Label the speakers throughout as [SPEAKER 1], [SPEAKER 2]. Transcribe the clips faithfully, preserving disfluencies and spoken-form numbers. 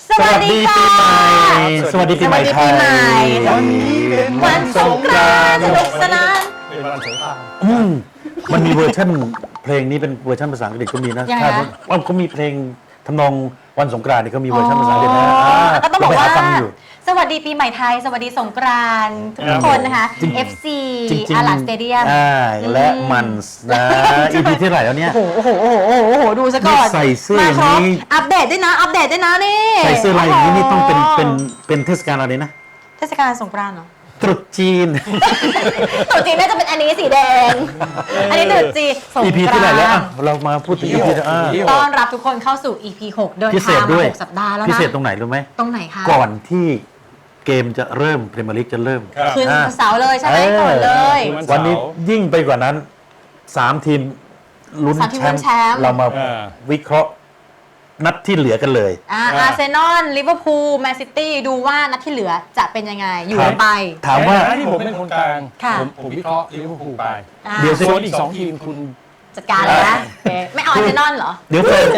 [SPEAKER 1] สวัสดีปีใหม่
[SPEAKER 2] สวัสดีปีใหม่ไทย
[SPEAKER 1] วันนี้เป็นวันสงกรานต์สนุกสนาน
[SPEAKER 3] เป็นวันสงกรานต์
[SPEAKER 2] มันมีเวอร์ชันเพลงนี้เป็นเวอร์ชันภาษาอังกฤษก็มีนะถ้าว่าเขามีเพลงทำนองวันสงกรานต์นี่เขามีเวอร์ชันภาษาอังกฤษนะ
[SPEAKER 1] ก็ต้องบอกว่าสวัสดีปีใหม่ไทยสวัสดีสงกรานต์ทุกคนนะคะ เอฟ ซี อาร์ แอล สเตเดียม
[SPEAKER 2] และมันนะอีพีที่เท่าไหร่แล้วเนี่ย
[SPEAKER 1] โอ้โหโอ้โหโอ้โหโอ้โหดูซะก่อน
[SPEAKER 2] ใส่เสื้อนี้
[SPEAKER 1] อัปเดตด้วยนะอัปเดตด้วยนะนี่
[SPEAKER 2] ใส่เสื้อลายอย่างนี้นี่ต้องเป็นเป็นเป็นเทศกาลอะไรนะ
[SPEAKER 1] เทศกาลสงกรานต์เหรอ
[SPEAKER 2] ตรุษจีน
[SPEAKER 1] ตรุษจีนน่าจะเป็นอันนี้สีแดงอันนี้ตรุษจีนสงกรานต์ อี
[SPEAKER 2] พี ที่ไหนแล้วเรามาพูดถึง อี พี
[SPEAKER 1] ต้อนรับทุกคนเข้าสู่ อี พี หกเดินทางมาหกสัปดาห์แล้วนะ
[SPEAKER 2] พิเศษตรงไหนรู้ไหม
[SPEAKER 1] ตรงไหนคะ
[SPEAKER 2] ก่อนที่เกมจะเริ่มพรีเมียร์ลีกจะเริ่ม
[SPEAKER 1] คืนเสาร์เลยใช่ไหมก่อนเลย
[SPEAKER 2] วันนี้ยิ่งไปกว่านั้นสามทีมลุ้นแชมป์เรามาวิเคราะห์นัดที่เหลือกันเลย
[SPEAKER 1] อาร์เซนอลลิเวอร์พูลแมนซิตี้ดูว่านัดที่เหลือจะเป็นยังไงอยู่ไป
[SPEAKER 2] ถามว่า
[SPEAKER 3] ที่ผมเป็นคนกลางผมผมวิเคราะห์ลิเวอร์พูลไป
[SPEAKER 2] เดี๋ยว
[SPEAKER 3] ส่วนอีกสองทีมคุณ
[SPEAKER 1] จัดการเลยนะไม่เอาอาร์เซนอลเหรอ
[SPEAKER 2] เดี๋ยวเฟน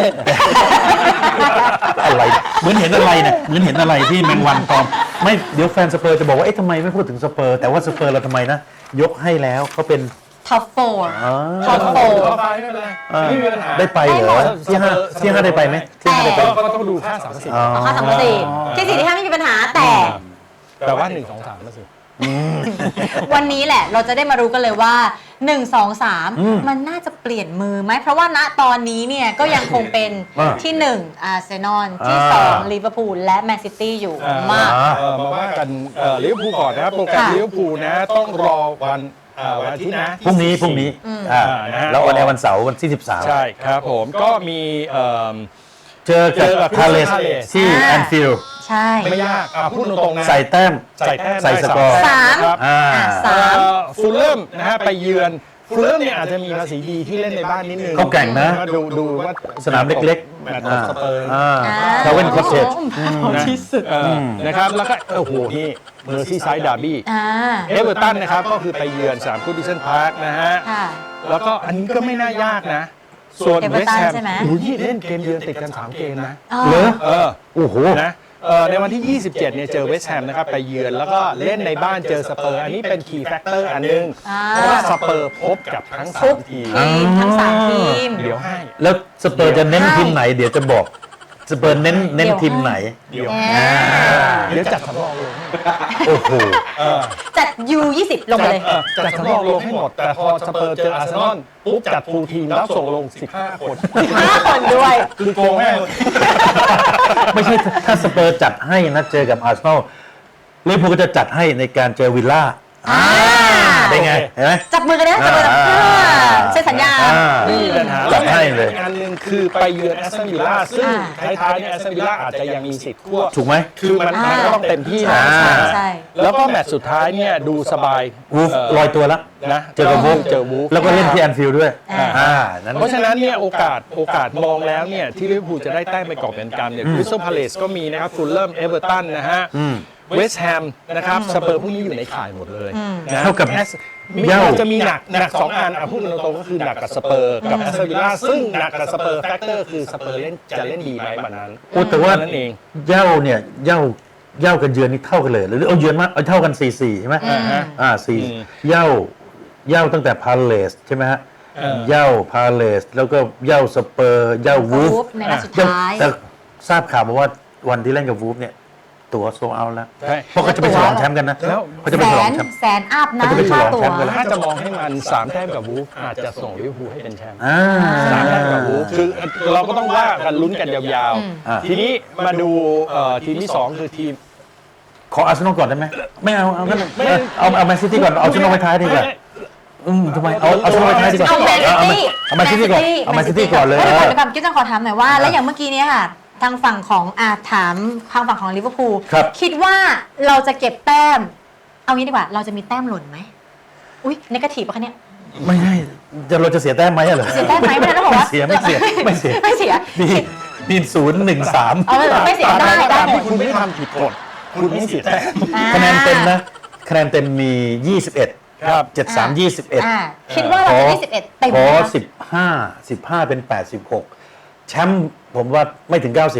[SPEAKER 2] อะไรเหมือนเห็นอะไรเนี่ยเหมือนเห็นอะไรที่แมงวันตอมไม่เดี๋ยวแฟนสเปอร์จะบอกว่าเอ๊ะทำไมไม่พูดถึงสเปอร์แต่ว่าสเปอร์เราทำไมนะยกให้แล้วเขาเป็น
[SPEAKER 1] ท็อปโฟร์ท็
[SPEAKER 3] อป
[SPEAKER 1] อโฟร์
[SPEAKER 2] ได้ไปเหรอที่ห้าที่ห้าได้ไปไหมที่ห้าได้ไป
[SPEAKER 3] ก็ต้องดูค่าสามสิบ
[SPEAKER 1] ค่าสามสิบที่สี่ที่ห้าไม่มีปัญหาแต่
[SPEAKER 3] แต่ว่าหนึ่งสองสามมาสิ
[SPEAKER 1] วันนี้แหละเราจะได้มารู้กันเลยว่าหนึ่ง สอง สามมันน่าจะเปลี่ยนมือไหมเพราะว่าณตอนนี้เนี่ยก็ยังคงเป็นที่หนึ่งอาร์เซนอลที่สองลิเวอร์พูลและแมนซิตี้อยู่มาก
[SPEAKER 3] มาว่ากันลิเวอร์พูลก่อนนะครับโปรแกรมลิเวอร์พูลนะต้องรอวันวันอาทิตย์นะ
[SPEAKER 2] พรุ่งนี้พรุ่งนี้แล้ววันในวันเสาร์วันที่สิบสาม
[SPEAKER 3] ใช่ครับผมก็มี
[SPEAKER 2] เจอกับพาเลสที่แอนฟิลด์
[SPEAKER 1] ใช่
[SPEAKER 3] ไม่ยากพูดตรงๆนะ
[SPEAKER 2] ใส่แต้ม
[SPEAKER 3] ใส่แต้ม
[SPEAKER 2] ใส่สกอร์
[SPEAKER 1] สาม
[SPEAKER 3] สามฟูลเลมนะฮะไปเยือนฟูลเลมเนี่ยอาจจะมีภาษีดีที่เล่นในบ้านนิดนึง
[SPEAKER 2] เขาแข่งนะ
[SPEAKER 3] ดูดูว่า
[SPEAKER 2] สนามเล็ก
[SPEAKER 3] ๆแมตช์สเปอร์
[SPEAKER 2] เขาเป็นคอสเทจ
[SPEAKER 1] ที่สุด
[SPEAKER 3] นะครับแล้วก็โอ้โหนี่เมอร์ซี่ไซด์ดาร์บี้เอเวอร์ตันนะครับก็คือไปเยือนสนามกูดิสันพาร์คนะฮะแล้วก็อันนี้ก็ไม่น่ายากนะส่วนเวสต์แฮมโอ้ยเล่นเกมเยือนติดกันสามเกมนะ
[SPEAKER 2] เหรอ
[SPEAKER 3] เออ
[SPEAKER 2] โอ้โห
[SPEAKER 3] นะในวันที่ยี่สิบเจ็ดเนี่ยเจอเวสต์แฮมนะครับไปเยือนแล้วก็เล่นในบ้านเจอสเปอร์อันนี้เป็นคีย์แฟกเตอร์อันนึงเพราะว่าสเปอร์พบกับทั้งสามทีม
[SPEAKER 1] ทั้งสามทีม
[SPEAKER 3] เดี๋ยวให้
[SPEAKER 2] แล้วสเปอร์จะเน้นทีมไหนเดี๋ยวจะบอกสเปอร์เน้นเน้นทีมไหน
[SPEAKER 3] เดี๋ยวเดี๋ยวจัดสำรองลง
[SPEAKER 2] โอ้โห
[SPEAKER 1] จัด ยู ยี่สิบ ลงไปเลย
[SPEAKER 3] จัดสำรองลงให้หมดแต่พอสเปอร์เจออาร์เซนอลปุ๊บจัดฟูลทีมแล้วส่งลงสิบห้าคน
[SPEAKER 1] สิบห้าคนด้วย
[SPEAKER 3] คือโกงแม่
[SPEAKER 2] ไม่ใช่ถ้าสเปอร์จัดให้นะเจอกับอาร์เซนอลลิเวอร์พูลก็จะจัดให้ในการเจอวิลล่าได้ไงเห็นไหม
[SPEAKER 1] จับมือกันนะจับมือกันใช้สัญญา
[SPEAKER 3] นี่ปัญหา
[SPEAKER 2] จัดให้เลย
[SPEAKER 3] อันนึงคือไปเยือนแอสตันวิลล่าซึ่งท้ายๆเนี่ยแอสตันวิลล่าอาจจะยังมีสิทธิ์ควบ
[SPEAKER 2] ถูกไหม
[SPEAKER 3] คือมันก็ต้องเต็มที่นะแล้วก็แมตช์สุดท้ายเนี่ยดูสบาย
[SPEAKER 2] วูฟลอยตัวแล้ว
[SPEAKER 3] นะ
[SPEAKER 2] เจอกับวูฟ
[SPEAKER 3] เจอวูฟ
[SPEAKER 2] แล้วก็เล่นที่แอนฟิลด์ด้วย
[SPEAKER 3] เพราะฉะนั้นเนี่ยโอกาสโอกาสมองแล้วเนี่ยที่ลิเวอร์พูลจะได้แต้มไปกอบเป็นกรรมเนี่ยคริสตัลพาเลซก็มีนะครับฟูลเลมเอเวอร์ตันนะฮะเวสต์แฮมนะครับสเปอร์พวกนี้อยู่ในข่ายหมดเลย
[SPEAKER 2] นะเท่ากับ
[SPEAKER 3] เย่าจะมีหนักหนักสองอันพูดกันตรงๆก็คือหนักกับสเปอร์กับแอสตันวิลล่าซึ่งหนักกับสเปอร์แฟกเตอร์คือสเปอร์เล่นจะเล่นดีไหมวันนั้น
[SPEAKER 2] โอ้แต่ว่านั่นเองเย่าเนี่ยเย่าเย่ากันเยือนนี่เท่ากันเลยหรือเอาเยือนมาเอาเท่ากันสี่สี่ใช่ไหมอ่าสี่เย่าเย่าตั้งแต่พาเลสใช่ไหมฮะเย่าพาเลสแล้วก็เย่าสเปอร์เย่าวูฟ
[SPEAKER 1] ในนัดสุดท้าย
[SPEAKER 2] แต่ทราบข่าวมาว่าวันที่เล่นกับวูฟเนี่ยตัวโซเอาแล้วเพราะเขาจะไปฉลองแชมป์กันนะ
[SPEAKER 3] แล้ว
[SPEAKER 2] เขาจะไปฉลองแชมป์
[SPEAKER 1] แสนอัพนะ
[SPEAKER 2] ตัว
[SPEAKER 3] ถ้าจะมองให้มันสามแต้มกับวูฟอาจจะส่งลิเวอร์พูลให้เป็นแชมป์สามแต้มกับวูฟคือเราก็ต้องว่ากันลุ้นกันยาวๆทีนี้มาดูทีมที่สองคือทีม
[SPEAKER 2] ขออาร์เซนอลก่อนได้ไหมไม่เอาเอางั้นเอาเอาแมนซิตี้ก่อนเอาอาร์เซนอลไว้ท้ายดีกว่าอืมทำไมเอาเอาอาร์เซนอลไว้ท้ายดีกว่า
[SPEAKER 1] เอาแมนซิตี้
[SPEAKER 2] เอาแมนซิตี้ก่อนเอาแมนซิตี้ก่อนเลย
[SPEAKER 1] เดี๋ยวก่อนกิ๊บจะขอถามหน่อยว่าแล้วอย่างเมื่อกี้นี้ค่ะทางฝั่งของอาถามทางฝั่งของลิเวอร์พูลคิดว่าเราจะเก็บแต้มเอางี้ดีกว่าเราจะมีแต้มหล่นไหมอุ้ยเนกาทีฟป่ะคะเนี่ย
[SPEAKER 2] ไม่ใช่จะเราจะเสียแต้มไหมเหรอ
[SPEAKER 1] เสียแต้มไหมไม่ได้ต้องบอกว่า
[SPEAKER 2] เสียไม่เสียไม่เสีย
[SPEAKER 1] ไม่เสีย
[SPEAKER 2] มีมีศูนย์หนึ่งสาม
[SPEAKER 1] เอาไม่เสียได้ได้
[SPEAKER 3] คุณไม่ทำผิดกฎคุณไม่เสียแต้ม
[SPEAKER 2] คะแนนเต็มนะคะแนนเต็มมียี่สิบเอ็ด
[SPEAKER 3] ครับ
[SPEAKER 2] เจ็ดสามยี่สิบเอ็ด
[SPEAKER 1] คิดว่าเราจะได้สิบเอ็ดเต็ม
[SPEAKER 2] ขอสิบห้าสิบห้าเป็นแปดสิบหกแชมป์ผมว่าไม่ถึงเก้าสิบ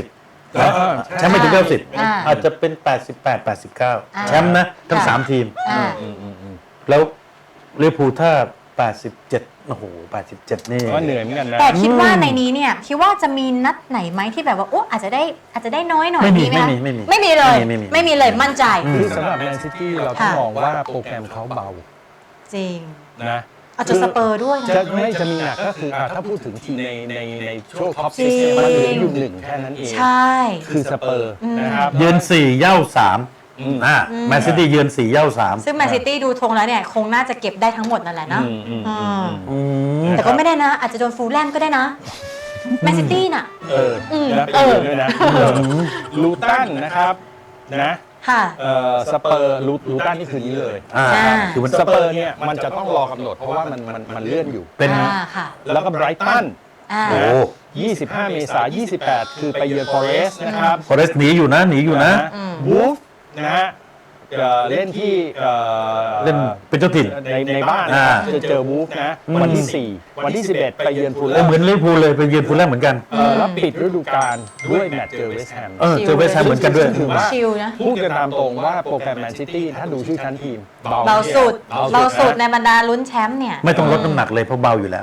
[SPEAKER 3] เออ
[SPEAKER 2] แชมป์ไม่ถึงเก้าสิบ
[SPEAKER 1] อ่า
[SPEAKER 2] อาจจะเป็นแปดสิบแปด แปดสิบเก้า
[SPEAKER 1] อ่า
[SPEAKER 2] แชมป์นะทั้ง
[SPEAKER 1] ค่ะ
[SPEAKER 2] สามทีม
[SPEAKER 1] อ่า
[SPEAKER 2] แล้วลิเวอร์พูลถ้าแปดสิบเจ็ดโอ้โหแปดสิบเจ็ดนี่
[SPEAKER 3] ก็เหนื่อยเหมือนกันนะ
[SPEAKER 1] แต่คิดว่าในนี้เนี่ยคิดว่าจะมีนัดไหนไหมที่แบบว่าโอ้อาจจะได้อาจจะได้น้อยหน่อย
[SPEAKER 2] ไม่มี
[SPEAKER 1] ไหมคะ
[SPEAKER 2] ไม่มีไม่มี
[SPEAKER 1] ไม่มีเลย
[SPEAKER 2] ไม่มีไม่มี
[SPEAKER 1] ไม่มีเลยมั่นใจ
[SPEAKER 3] คือสำหรับแมนซิตี้เราต้อง
[SPEAKER 1] ค่ะ
[SPEAKER 3] มองว่าโปรแกรมเขาเบา
[SPEAKER 1] จริง
[SPEAKER 3] นะ
[SPEAKER 1] อาจจะสเปอร์ด้วยนะ
[SPEAKER 3] จะไม่จะมีหนักก็คืออ่ะถ้าพูดถึงทีมในในในช่วงท็อป
[SPEAKER 1] จริ
[SPEAKER 3] ซิ
[SPEAKER 1] ง
[SPEAKER 3] กมันเหลืออยู่หนึ่งแค่นั้นเอง
[SPEAKER 1] ใช่
[SPEAKER 3] คือสเปอร์นะครับ
[SPEAKER 2] เยือนสี่เย่าสาม
[SPEAKER 3] อืม
[SPEAKER 2] อ่าแมนซิตี้เยือนสี่เย่าสาม
[SPEAKER 1] ซึ่งแมนซิตี้ดูธงแล้วเนี่ยคงน่าจะเก็บได้ทั้งหมดนั่นแหละเนาะ
[SPEAKER 3] อืมอืม
[SPEAKER 1] อืม
[SPEAKER 2] อืม
[SPEAKER 1] แต่ก็ไม่ได้นะ อาจจะโดนฟูลแลมก็ได้นะแมนซิตี้น่ะ
[SPEAKER 3] เออ
[SPEAKER 1] อืม
[SPEAKER 3] นะ
[SPEAKER 1] เอ
[SPEAKER 3] เป็น
[SPEAKER 1] อ
[SPEAKER 3] ด้วยนะลูตันนะครับนะ
[SPEAKER 1] ค่ะ
[SPEAKER 3] เอ่อสเปอร์ลูลูตันนี่คืนนี้เลย
[SPEAKER 2] อ่า
[SPEAKER 1] อ่า
[SPEAKER 2] คือมัน
[SPEAKER 3] สเปอร์เนี่ยมันจะต้องรอกำหนดเพราะว่ามันมันมันเลื่อนอยู่
[SPEAKER 2] เป็น
[SPEAKER 1] อ่าค่ะ
[SPEAKER 3] แล้วก็ไบรตัน
[SPEAKER 1] อ่า
[SPEAKER 2] โอ้
[SPEAKER 3] ยี่สิบห้า เมษายนยี่สิบแปด คือไปเยือนฟอเรสต์นะครับ
[SPEAKER 2] ฟอเรสต์หนีอยู่นะหนีอยู่นะ
[SPEAKER 3] วูฟนะฮะเอ่อเล่นที่เอ่อ
[SPEAKER 2] เล่นเป็นเจ้าถิ่น
[SPEAKER 3] ในในบ้าน
[SPEAKER 2] อ่า
[SPEAKER 3] จะเจอวูฟนะ วันที่ สี่ วันที่ สิบเอ็ด ไปเยือนฟูลแล
[SPEAKER 2] เออ
[SPEAKER 3] ม
[SPEAKER 2] เหมือนลิเวอร์พูลเลยไปเยือนฟูลแลมเหมือนกัน
[SPEAKER 3] เอ่อแล้วปิดฤดูกาลด้วยแมตช์เจอเวสต์แฮม
[SPEAKER 2] เออเจอเวสต์แฮมเหมือนกันด้วย
[SPEAKER 3] ถือว่า
[SPEAKER 1] ชิลนะ
[SPEAKER 3] พูดกันตามตรงว่าโปรแกรมแมนซิตี้ถ้าดูชื่อชั้นทีม
[SPEAKER 1] เราสุด เราสุดใน
[SPEAKER 3] นะ
[SPEAKER 1] บรรดาลุ้นแชมป์เนี่ย
[SPEAKER 2] ไม่ต้องลดน้ำหนักเลยเพราะเบาอยู่แล้ว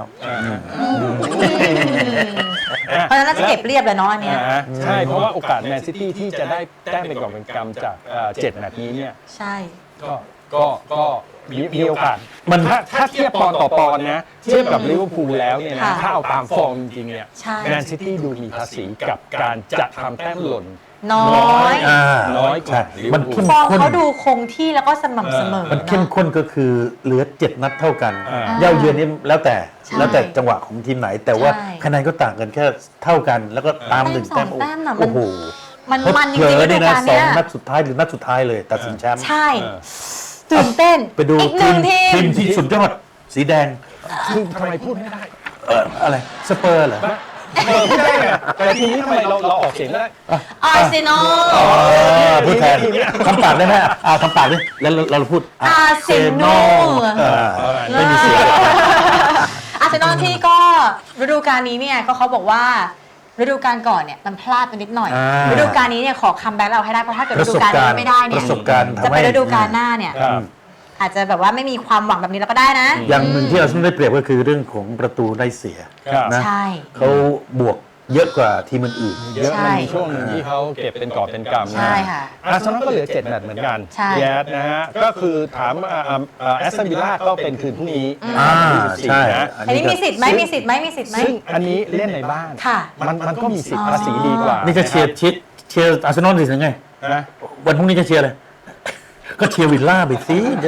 [SPEAKER 1] เพราะฉะนั้นน่าจะเก็บเรียบเลยเนาะอันเนี้ย
[SPEAKER 3] อ่าใช่ เพราะว่าโอกาสแมนซิตี้ที่จะได้แต้มเป็นกอบเป็นกำจากเอ่อเจ็ดแมตช์นี้เนี่ย
[SPEAKER 1] ใช่
[SPEAKER 3] ก็ก็ก็มีมีโอกาส
[SPEAKER 2] มัน
[SPEAKER 3] ถ้าถ้าเทียบปอนด์ต่อปอนด์นะเทียบกับลิเวอร์พูลแล้วเนี่ยนะ
[SPEAKER 1] ค่ะ
[SPEAKER 3] ถ้าเอาตามฟอร์มจริงๆเนี่ย
[SPEAKER 1] ใช่
[SPEAKER 3] แมนซิตี้ดูมีภาษีกับการจะทำแต้มหล่น
[SPEAKER 1] น้อย
[SPEAKER 2] อ่า
[SPEAKER 3] น้อยกว่า
[SPEAKER 2] ใช่
[SPEAKER 3] ลิเวอร์พูล
[SPEAKER 2] มันเข้ม
[SPEAKER 1] ฟอร์ม
[SPEAKER 2] ข้น
[SPEAKER 1] เขาดูคงที่แล้วก็สม่ำเสมอ
[SPEAKER 2] มันเข้ม
[SPEAKER 1] เนาะ
[SPEAKER 2] ข้นก็คือเหลือเจ็ดนัดเท่ากัน
[SPEAKER 3] อ่า
[SPEAKER 2] เย่าเยือนนี่แล้วแต่
[SPEAKER 1] ใช่
[SPEAKER 2] แล้วแต่จังหวะของทีมไหน แต่ว่า
[SPEAKER 1] ใช่
[SPEAKER 2] คะแนนก็ต่างกันแค่เท่ากัน แล้วก็ตามหนึ่ง
[SPEAKER 1] แต้
[SPEAKER 2] แต้
[SPEAKER 1] ม
[SPEAKER 2] ม
[SPEAKER 1] สองแต้มน่ะมัน
[SPEAKER 2] โอ้โห
[SPEAKER 1] มันมันจ
[SPEAKER 2] เผล
[SPEAKER 1] ริงๆ
[SPEAKER 2] อ
[SPEAKER 1] ฤดู
[SPEAKER 2] นี่นะ
[SPEAKER 1] กาล
[SPEAKER 2] สอง
[SPEAKER 1] เนี้ย
[SPEAKER 2] นัดสุดท้ายหรือนัดสุดท้ายเลยตัดสินแชมป์
[SPEAKER 1] ใช่ ตื่นเต้น
[SPEAKER 2] ไปดู
[SPEAKER 1] อีกห
[SPEAKER 2] ที
[SPEAKER 1] นึ่ง
[SPEAKER 2] ม
[SPEAKER 1] ที
[SPEAKER 2] ที
[SPEAKER 1] ม
[SPEAKER 2] มที่สุดยอดสีแดง
[SPEAKER 3] คือทำไมพูดไม่ได้
[SPEAKER 2] เอ่ออะไรสเปอร์เหรอ
[SPEAKER 3] เออพูดได้ไงแต่ทีนี้ทำไมเราเราออกเสียงไม่ได้
[SPEAKER 1] อาร์เซนอล
[SPEAKER 2] อ๋อพูดแทนทำปากได้ไหมอ่าทำปากดิแล้วเราเราพูด
[SPEAKER 1] อาร์เซนอล
[SPEAKER 2] อ่าไม่มีเสียง
[SPEAKER 1] อาร์เซนอลที่ก็ฤดูกาลนี้เนี่ยก็เขาบอกว่าฤดูกาลก่อนเนี่ยมันพลาดไปนิดหน่อย
[SPEAKER 2] อ่า
[SPEAKER 1] ฤดูกาลนี้เนี่ยขอคัมแบ็กเราให้ได้เพราะถ้าเกิด
[SPEAKER 2] ป
[SPEAKER 1] ฤ
[SPEAKER 2] ระ
[SPEAKER 1] ดู
[SPEAKER 2] สบ
[SPEAKER 1] กาล
[SPEAKER 2] การ
[SPEAKER 1] นี้
[SPEAKER 2] ณ์
[SPEAKER 1] ไม่ได้เนี่
[SPEAKER 2] ป
[SPEAKER 1] ย
[SPEAKER 2] ระสบการณ์
[SPEAKER 1] จะ
[SPEAKER 2] ทำ
[SPEAKER 1] ไป
[SPEAKER 2] ให้
[SPEAKER 1] ฤดูกาลหน้าเนี่ย
[SPEAKER 3] ครับ
[SPEAKER 1] อาจจะแบบว่าไม่มีความหวังแบบนี้แล้วก็ได้นะ
[SPEAKER 2] อย่างหนึ่งที่เราต้องได้เปรียบก็คือเรื่องของประตูได้เสีย
[SPEAKER 3] ครับ
[SPEAKER 2] นะ
[SPEAKER 1] ใช่
[SPEAKER 2] เขาบวกเยอะกว่าทีมอื่น
[SPEAKER 3] เยอะ
[SPEAKER 1] ใช่
[SPEAKER 3] มันมีช่วงหนึ่งที่เขาเก็บเป็นกอบเป็นกำนะ
[SPEAKER 1] ใช่ค่ะ
[SPEAKER 3] อาร์เซนอลก็เหลือเจ็ดแมตช์เหมือนกัน
[SPEAKER 1] ใช่
[SPEAKER 3] แยสนะฮะก็คือถามแอสตันวิลล่าก็เป็นคืนพรุ่งนี้
[SPEAKER 2] ๆอ่า
[SPEAKER 3] ที่สิบสี่
[SPEAKER 2] ใช่
[SPEAKER 3] นะ
[SPEAKER 1] อันนี้มีสิทธิ์ไหมมีสิทธิ์ไหมมีสิทธิ์ไหม
[SPEAKER 3] ซึ่งอันนี้เล่นในบ้าน
[SPEAKER 1] ค่ะ
[SPEAKER 3] มันมันก็มีสิทธิ์ภาษีดีกว่า
[SPEAKER 2] นี่จะเชียร์ชิดเชียร์อาร์เซนอลดิถึงไง
[SPEAKER 3] นะ
[SPEAKER 2] วันพรุ่งนี้จะเชียร์อะไร ก็เชียร์วิลล่าไปสิจะ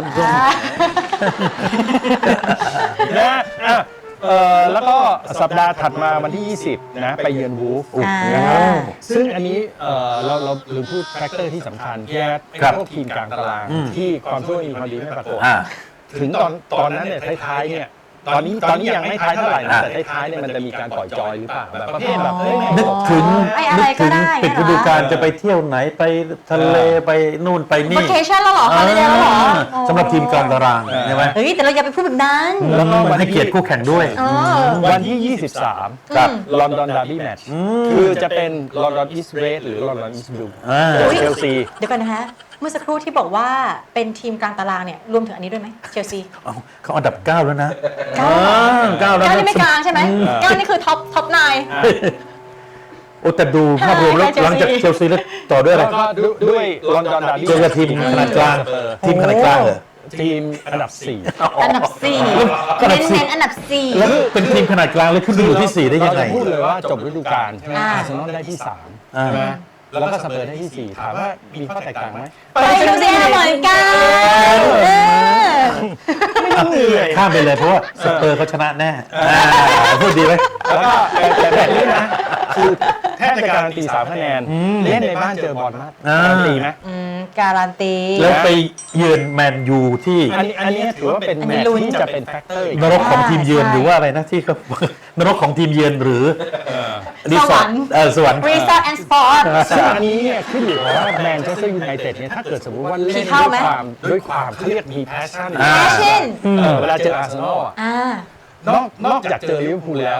[SPEAKER 3] นะอ่ะเอ่อแล้วก็สัปดาห์ถัดมาวันที่ ยี่สิบ นะ ไปเยือนวูฟ
[SPEAKER 1] อ่า
[SPEAKER 3] นะครับซึ่งอันนี้เอ่อเราเราลืมพูดแฟกเตอร์ที่สำคัญแค่พวกทีมกลางตาราง ที่ความช่วยมีความดีไม่ปรากฏ
[SPEAKER 2] อ่า
[SPEAKER 3] ถึงตอนตอนนั้นเนี่ยท้ายๆเนี่ยตอนนี้ตอนนี้ยังไม่ท้ายเท่าไหร่นะ
[SPEAKER 2] อ่า
[SPEAKER 3] แต่ท้ายๆเนี่ยมันจะมีการปล่อยจอยหรือเปล่าแบบประเภทแบบเฮ้ย
[SPEAKER 2] นึกถึง
[SPEAKER 1] ไม่อะไร
[SPEAKER 2] นึก
[SPEAKER 1] ก็
[SPEAKER 2] ถึง
[SPEAKER 1] ได้
[SPEAKER 2] ปิดฤดูกาลจะไปเที่ยวไหนไปทะเลไปนู่นไปนี่
[SPEAKER 1] vacation แล้วเหรอฮอลิเดย์แล้วเหรอ
[SPEAKER 2] อ่าสำหรับทีมกลางตารางใช่ไหม
[SPEAKER 1] เฮ้ยแต่เราอย่าไปพูดแบบนั้น
[SPEAKER 3] แล้วก็วัน
[SPEAKER 2] ให้เกียรติคู่แข่งด้วย
[SPEAKER 1] เออ
[SPEAKER 3] วันที่ ยี่สิบสาม
[SPEAKER 2] ครับ
[SPEAKER 3] ลอนดอนดาร์บี้แมตช์คือจะเป็นลอนดอนอีสเรดหรือลอนดอนอีสบลู
[SPEAKER 2] อ่า
[SPEAKER 3] เชลซี
[SPEAKER 1] เดี๋ยวก่อนนะฮะ เมื่อสักครู่ที่บอกว่าเป็นทีมกลางตารางเนี่ยรวมถึงอันนี้ด้วยไหมเชลซี
[SPEAKER 2] เอาเขาอันดับเก้าแล้วนะ
[SPEAKER 1] เก้า
[SPEAKER 2] อ่าเก้าแล้ว
[SPEAKER 1] เก้า
[SPEAKER 2] นะ
[SPEAKER 1] นี่ไม่กลางใช่ไหมเก้านี่คือท็อปท็อปไนน์
[SPEAKER 2] โอ้แต่ดูภาพรวมแล้ว
[SPEAKER 1] ใช่
[SPEAKER 2] หลังจาก
[SPEAKER 1] เชลซี
[SPEAKER 2] เชลซีแล้วต่อด้วยอะไร
[SPEAKER 3] แล้วก็ด้วยลอนดอนดาร์บี้
[SPEAKER 2] เจอกับทีมขนาดกลาง ทีมขนาดกลางเหรอ
[SPEAKER 3] ทีมอันดับสี่
[SPEAKER 1] อันดับสี่
[SPEAKER 2] อันดับสี่
[SPEAKER 1] เน้นๆอันดับสี่
[SPEAKER 2] แล้วเป็นทีมขนาดกลางแล้วขึ้นไปอยู่ที่สี่ได้ยังไง
[SPEAKER 3] เราจะพูดเลยว่าจบฤดูกาลใช่ไหม
[SPEAKER 1] อ่า
[SPEAKER 3] อาร์เซนอลได้ที่สาม
[SPEAKER 2] อ่า
[SPEAKER 3] ใช่ไหมแล้วก็สเปอร์ได้ที่สี่ถามว่ามีข้อแตกต่างไหม
[SPEAKER 1] ไปดูซิเหมือนกันเออ
[SPEAKER 3] ไม่ต้องเหนื่อย
[SPEAKER 2] ข้ามไปเลยเพราะว่าสเปอร์เขาชนะแน่อ่าพูดดีไหม
[SPEAKER 3] แล้วก็แต่แบบนี้นะคือแทบจะการันตีสามคะแนนเล่นในบ้านเจอบอลมาก
[SPEAKER 2] อ่า
[SPEAKER 3] การันตีไหม
[SPEAKER 1] อืมการันตี
[SPEAKER 2] แล้วไปเยือนแมนยูที่
[SPEAKER 3] อันนี้อันนี้ถือว่าเป็น
[SPEAKER 1] อัน
[SPEAKER 3] แม
[SPEAKER 1] นี้
[SPEAKER 3] ตช์
[SPEAKER 1] ลุ้น
[SPEAKER 3] ที่จะเป็นแฟกเตอร์อีก
[SPEAKER 2] นรกของทีมเยือน
[SPEAKER 1] ใช่
[SPEAKER 2] หรือว่าอะไรนะที่เขา นรกของทีมเยือนหรือ
[SPEAKER 1] สวรรค์
[SPEAKER 2] เออสวรรค์
[SPEAKER 1] รีสอร์ทแอนด์สปอร์ต
[SPEAKER 3] ซึ่งอันนี้เนี่ยขึ้นอยู่กับว่าแมนเชสเตอร์ยูไนเต็ดเนี่ยถ้าเกิดสมมติว่าเล่น
[SPEAKER 1] ผี
[SPEAKER 3] ด้
[SPEAKER 1] เข้า
[SPEAKER 3] วย
[SPEAKER 1] ไหม
[SPEAKER 3] ความด้วยความเขาเรียกมีแพชชั่น
[SPEAKER 2] อ่า
[SPEAKER 1] แฟชั่น
[SPEAKER 3] เวลาเจออาร์เซนอลอะ
[SPEAKER 1] อ่า
[SPEAKER 3] นอกนอกจากเจอลิเวอร์พูลแล้ว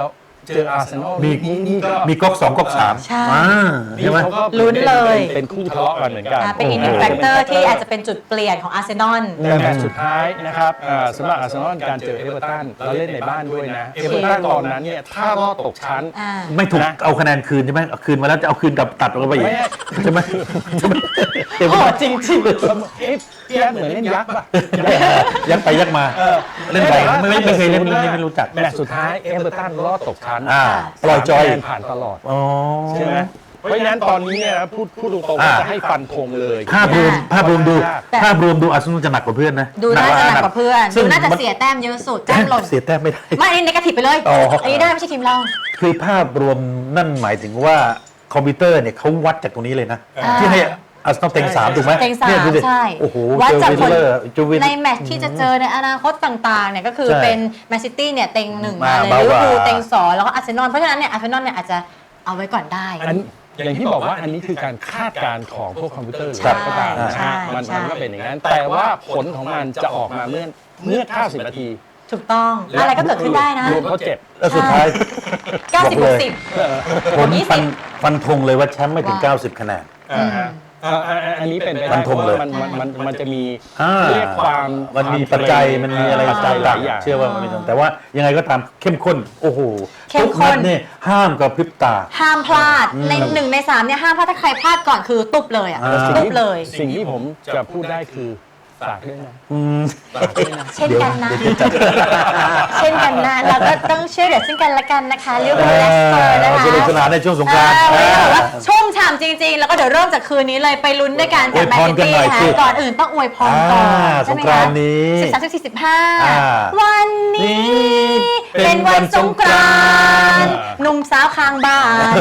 [SPEAKER 3] เจออาร์เซนอล
[SPEAKER 2] มี
[SPEAKER 3] นี่นี่ก็
[SPEAKER 2] มีก๊อกสองก๊อกสาม
[SPEAKER 1] ใช่
[SPEAKER 2] อ่า
[SPEAKER 3] นี่
[SPEAKER 2] ใช่ไหม
[SPEAKER 3] เขาก็
[SPEAKER 1] ลุ้นเลย
[SPEAKER 3] เป็นเป็นคู่ทะเลาะกันเหมือนกัน
[SPEAKER 1] อ่าเป็นอีกหนึ่งแฟกเตอร์ที่อาจจะเป็นจุดเปลี่ยนของอาร์เซนอล
[SPEAKER 3] แต่แมตช์สุดท้ายนะครับอ่าสำหรับอาร์เซนอลการเจอเอเวอร์ตันเราเล่นในบ้านด้วยนะเอเวอร์ตันตอนนั้นเนี่ยถ้ารอดตกชั้น
[SPEAKER 1] อ่า
[SPEAKER 2] ไม่ถูก
[SPEAKER 3] นะ
[SPEAKER 2] เอาคะแนนคืนใช่ไหมเอาคืนมาแล้วจะเอาคืนกลับตัดลงไปอีก
[SPEAKER 3] ไม่
[SPEAKER 2] ใช่ไหมใช่ไหมเดี๋ยว
[SPEAKER 1] โหดจริง
[SPEAKER 3] เอ๊ะพี่แอดเหมือนเล่นยักษ์ป่ะ
[SPEAKER 2] ยักไปยักมา
[SPEAKER 3] เออ
[SPEAKER 2] เล่นไปไม่ไม่ไม่เคยเล่นเรื่องนี้ไม่รู้จัก
[SPEAKER 3] แมตช์สุดท้ายเอเวอร์ตันรอดตกชั้น
[SPEAKER 2] อ่าปล่อยจอย
[SPEAKER 3] สามคะแนนผ่านตลอด
[SPEAKER 2] อ๋อ
[SPEAKER 3] ใช่ไหมเพราะฉะนั้นตอนนี้เนี่ยนะพูดพูดตรงๆ
[SPEAKER 2] อ่า
[SPEAKER 3] ว่าจะให้ฟันธงเลย
[SPEAKER 2] ภาพรวมภาพรวมดู
[SPEAKER 1] แต่
[SPEAKER 2] ภาพรวมดูอาร์เซนอลจะหนักกว่าเพื่อนนะ
[SPEAKER 1] ดูน่าจะหนักกว่าเพื่อน
[SPEAKER 2] ซึ่
[SPEAKER 1] ดู
[SPEAKER 2] ง
[SPEAKER 1] น่าจะ
[SPEAKER 2] มัน
[SPEAKER 1] เสียแต้มเยอะสุดแต้มหล่น
[SPEAKER 2] เสียแต้มไม่ได้
[SPEAKER 1] ไม่อันนี้เนกาทีฟไปเลย
[SPEAKER 2] อ๋ออั
[SPEAKER 1] อันนี้ได้ไม่ใช่ทีมเรา
[SPEAKER 2] คือภาพรวมนั่นหมายถึงว่าคอมพิวเตอร์เนี่ยเขาวัดจากตรงนี้เลยนะ
[SPEAKER 1] อ่า
[SPEAKER 2] ที่ให้อาร์เซนอลเต็งสามถูกไหม
[SPEAKER 1] เต็งสาม
[SPEAKER 2] นี่ยดูดิ
[SPEAKER 1] ใช่
[SPEAKER 2] โอ้โห
[SPEAKER 1] วัดจากผล
[SPEAKER 2] เจอวิลเลอร์จูวิน
[SPEAKER 1] ในแมตช์ที่จะเจอในอนาคตต่างๆเนี่ยก็คือ
[SPEAKER 2] ใช่
[SPEAKER 1] เป็นแมนซิตี้เนี่ยเต็งหนึ่งมา
[SPEAKER 2] มา
[SPEAKER 1] เลย
[SPEAKER 2] เบาก
[SPEAKER 1] ลิเวอร์
[SPEAKER 2] ว่า
[SPEAKER 1] พูลเต็งสองแล้วก็อาร์เซนอลเพราะฉะนั้นเนี่ยอาร์เซนอลเนี่ยอาจจะเอาไว้ก่อนได้
[SPEAKER 3] อันอย่างที่บอกว่าอันนี้คือการคาดการณ์ของพวกคอมพิวเตอร์หรือ
[SPEAKER 1] ใช่
[SPEAKER 3] อะไรก็ตามนะ
[SPEAKER 1] ใช่
[SPEAKER 3] ฮะมัน
[SPEAKER 1] ใช่
[SPEAKER 3] มันก็เป็นอย่างนั้น แต่ว่าผลของมันจะออกมาเมื่อเมื่อเก้าสิบนาที
[SPEAKER 1] ถูกต้องอะไรก็เกิดขึ้นได้นะ
[SPEAKER 3] รวมเขาเจ็บ
[SPEAKER 2] แล้วสุดท้าย
[SPEAKER 1] เก้าสิบ
[SPEAKER 2] บอก
[SPEAKER 1] ห
[SPEAKER 2] เล
[SPEAKER 1] ก
[SPEAKER 2] ย
[SPEAKER 1] สิบ
[SPEAKER 2] ผม
[SPEAKER 1] ยี่สิบ
[SPEAKER 2] ฟันฟันธงเลยว่าแชมป์ไม่ถึง
[SPEAKER 1] ว่า
[SPEAKER 2] เก้าสิบคะแนน
[SPEAKER 3] อ่าฮะอ่าอ่าอ่าอันนี้เป็นไป
[SPEAKER 2] ฟั
[SPEAKER 3] ได้
[SPEAKER 2] น
[SPEAKER 3] เพ
[SPEAKER 2] ธง
[SPEAKER 3] ราะ
[SPEAKER 2] เล
[SPEAKER 3] ว่าย มันมันมันมันจะมี
[SPEAKER 2] อ่า
[SPEAKER 3] เรียกความ
[SPEAKER 2] มันมี
[SPEAKER 3] ควา
[SPEAKER 2] ปัจจัยมันมีอะไร
[SPEAKER 3] ปัจจัยหลายอย่าง
[SPEAKER 2] เชื่อว่ามันมีแต่ว่ายังไงก็ตามเข้มข้น โอ้โห
[SPEAKER 1] เข้ม
[SPEAKER 2] ทุก
[SPEAKER 1] ข้
[SPEAKER 2] นั
[SPEAKER 1] น
[SPEAKER 2] ดเนี่ยห้ามกับพริบตา
[SPEAKER 1] ห้ามพลาดในหนึ่งในสามเนี่ยห้ามพลาดถ้าใครพลาดก่อนคือตุบเลยอ่ะ
[SPEAKER 2] อ่า
[SPEAKER 1] ตุบเลย
[SPEAKER 3] สิ่งที่ผมจะพูดได้คือฝากด้วยนะ
[SPEAKER 2] อืม
[SPEAKER 3] ฝากด้วยนะ
[SPEAKER 1] เช่นกันนะ
[SPEAKER 2] เดี๋ยวจะจัด
[SPEAKER 1] เช่นกันนะเราก็ต้องช่วยเหลือซึ่งกันและกันนะคะเรียกว่าเลสเตอร์นะคะ
[SPEAKER 2] สนุกสนานในช่วงสงกรานต์
[SPEAKER 1] เออวันนี้แบบว่าชุ่มฉ่ำจริงๆ แล้วก็เดี๋ยวเริ่มจากคืนนี้เลยไปลุ้นด้วยกันกับแมนซิตี้
[SPEAKER 2] อวยพรกันหน่อย
[SPEAKER 1] นะคะ
[SPEAKER 2] สิ
[SPEAKER 1] ก่อนอื่นต้องอวยพรก่อน
[SPEAKER 2] อ่า
[SPEAKER 1] ใช่ไหม
[SPEAKER 2] สงกรานต์นี้
[SPEAKER 1] สิบสามสิบสี่สิบห้า
[SPEAKER 2] อ่า
[SPEAKER 1] วันนี้ เป็นวันสงกรานต์หนุ่มสาวข้างบ้าน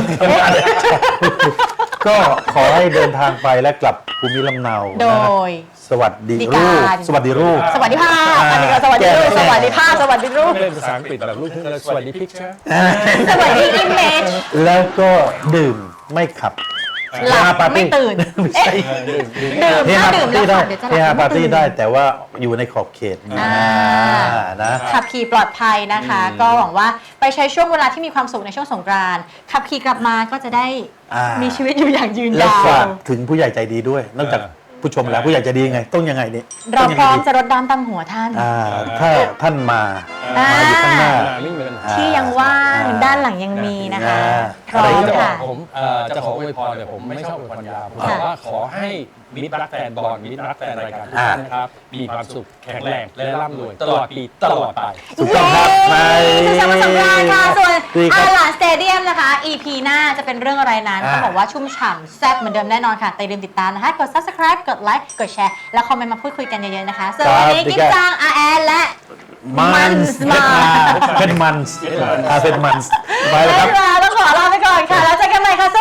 [SPEAKER 2] ก็ขอให้เดินทางไปและกลับภูมิลำเนา
[SPEAKER 1] โด
[SPEAKER 2] นะ
[SPEAKER 1] ย
[SPEAKER 2] สวัสดี
[SPEAKER 1] ดี
[SPEAKER 2] รู
[SPEAKER 1] การ
[SPEAKER 2] ปสวัสดีรูป
[SPEAKER 1] สวัสดีภาพอันนี้ก็สวัสดีรูปสวัสดีภาพสวัสดีรูป
[SPEAKER 3] ไม่เล่นภาษาอังกฤษแบบลูกครึ่งเลยสวัสดีพิกเชอร์
[SPEAKER 1] สวัสดีอิมเมจ
[SPEAKER 2] แล้วก็ดื่มไม่ขับ
[SPEAKER 1] หลับ
[SPEAKER 2] เฮฮาปาร์ตี้
[SPEAKER 1] ไม่ตื่น
[SPEAKER 2] ไม่ใช่
[SPEAKER 1] ดื่ม
[SPEAKER 2] เฮ
[SPEAKER 1] ถ้า
[SPEAKER 2] ฮา
[SPEAKER 1] ดื่
[SPEAKER 2] ปาม ร์
[SPEAKER 1] แล้ว
[SPEAKER 2] ตี้ได้
[SPEAKER 1] ขับเดี๋ยวจะห
[SPEAKER 2] เฮ
[SPEAKER 1] ลั
[SPEAKER 2] ฮา
[SPEAKER 1] บ
[SPEAKER 2] ปาร์ตี้
[SPEAKER 1] ไม่ตื่น
[SPEAKER 2] ได้แต่ว่าอยู่ในขอบเขต
[SPEAKER 1] อ่า
[SPEAKER 2] อ่านะ
[SPEAKER 1] ขับขี่ปลอดภัยนะคะ ก็หวังว่าไปใช้ช่วงเวลาที่มีความสุขในช่วงสงกรานต์ขับขี่กลับมาก็จะได้
[SPEAKER 2] อ่ามี
[SPEAKER 1] มีชีวิตอยู่อย่างยืน
[SPEAKER 2] แล้ว
[SPEAKER 1] ยาว
[SPEAKER 2] ฝากถึงผู้ใหญ่ใจดีด้วย นอกจากผู้ชมแล้วผู้ใหญ่ใจดียังไง ต้องยังไงนี่
[SPEAKER 1] เรา
[SPEAKER 2] ต้องยัง
[SPEAKER 1] พร้อม
[SPEAKER 2] ไงดี
[SPEAKER 1] จะรดน้ำตำหัวท่าน
[SPEAKER 2] อ่าถ้าท่านมา
[SPEAKER 1] อ่า
[SPEAKER 2] มาอยู่ข้างหน้า
[SPEAKER 3] ไม่มีปัญหา
[SPEAKER 1] ที่ยังว่าง
[SPEAKER 2] อ่า
[SPEAKER 1] ด้านหลังยังมีนะคะ
[SPEAKER 2] อ่า
[SPEAKER 1] พร้อ
[SPEAKER 3] อะไร
[SPEAKER 1] ม
[SPEAKER 3] ที่จะบอก
[SPEAKER 1] ค่ะ
[SPEAKER 3] ผมเอ่อจะขออวยพรเนี่ยผมไม่ชอบอวยพรยาวผมบอกว่าขอให้มิตรรักแฟนบอลมิตรรักแฟนรายการทุกท่านนะครับมีความสุขแข็งแรงและร่ำรวยตลอดปีตลอดไป
[SPEAKER 2] ถูกต้องครับใน
[SPEAKER 1] สุขสันต์วันสงกรานต์ค่ะ ส่วน
[SPEAKER 2] ดีครั
[SPEAKER 1] อา
[SPEAKER 2] บ
[SPEAKER 1] ลานสเตเดียมนะคะ อี พี หน้าจะเป็นเรื่องอะไรนั้น
[SPEAKER 2] อ่า
[SPEAKER 1] ต้องบอกว่าชุ่มฉ่ำแซ่บเหมือนเดิมแน่นอนค่ะแต่อย่าลืมติดตามนะคะ กด subscribe กดไลค์กดแชร์ แล้วคอมเมนต์มาพูดคุยกันเยอะๆนะคะส่วนวันนี้กิ๊บจางอาแอนและ
[SPEAKER 2] มันส์
[SPEAKER 1] มา
[SPEAKER 2] เป็นมันส์อาเป็นมันส์ไปแล้วครับ
[SPEAKER 1] ต้องขอลาไปก่อนค่ะ แล้วเจอกันใหม่ค่ะ